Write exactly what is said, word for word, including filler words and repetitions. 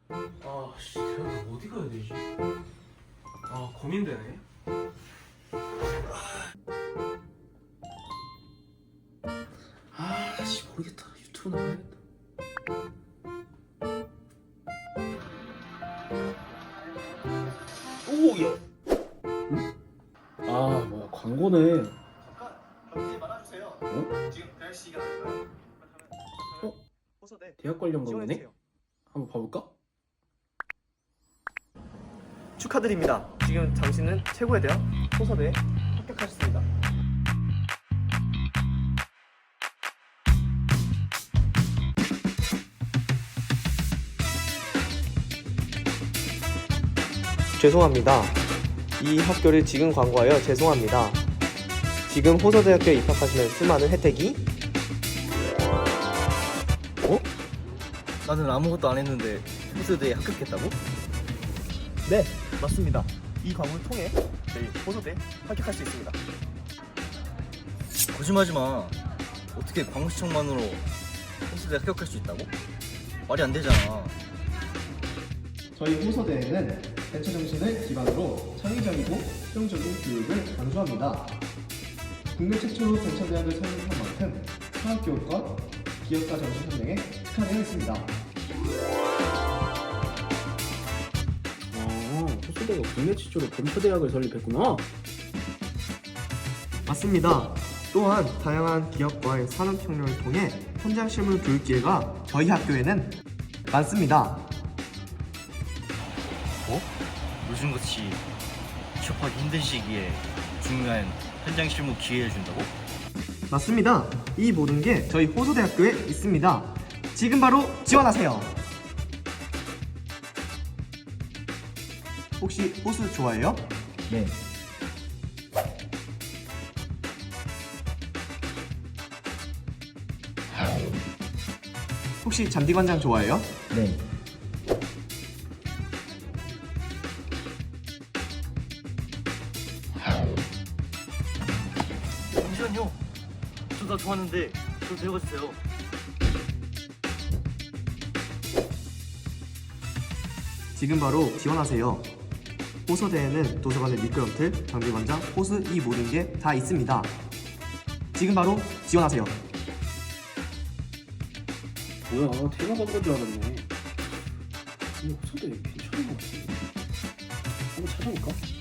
아, 씨, 대학 어디 가야 되지? 아, 고민되네. 아, 씨, 모르겠다. 유튜브 나가야겠다. 오, 야. 응? 아, 뭐야, 광고네. 잠깐 경기 말아주세요. 어? 지금 대학 시기가 아닌가요? 어? 호서대 대학 관련 광고네? 지원해주세요. 한번 봐볼까? 축하드립니다. 지금 당신은 최고의 대학 호서대에 합격하셨습니다. 죄송합니다. 이 학교를 지금 광고하여 죄송합니다. 지금 호서대학교에 입학하시면 수많은 혜택이 어? 나는 아무것도 안 했는데 호서대에 합격했다고? 네, 맞습니다. 이 광고를 통해 저희 호서대에 합격할 수 있습니다. 거짓말하지 마. 어떻게 광고 시청만으로 호서대에 합격할 수 있다고? 말이 안 되잖아. 저희 호서대에는 벤처 정신을 기반으로 창의적이고 실용적인 교육을 강조합니다. 국내 최초로 벤처대학을 설립한 만큼 사학교육과 기업가 정신 현장에 특화되어 있습니다. 아, 호수대가 국내 최초로 벤처대학을 설립했구나. 맞습니다. 또한 다양한 기업과의 산업혁명을 통해 현장 실무 교육 기회가 저희 학교에는 많습니다. 뭐? 요즘같이 취업하기 힘든 시기에 중요한 현장 실무 기회를 준다고? 맞습니다. 이 모든 게 저희 호서대학교에 있습니다. 지금 바로 지원하세요. 혹시 호수 좋아해요? 네. 혹시 잔디관장 좋아해요? 네. 잠시만요. 저 다 좋았는데 저 데려가주세요. 지금 바로 지원하세요. 호서대에는 도서관의 미끄럼틀, 장비관장, 호수 이 모든 게 다 있습니다. 지금 바로 지원하세요. 뭐야, 테마 광고인 줄 알았네. 근데 호수대 괜찮은 것 같은데. 한번 찾아볼까?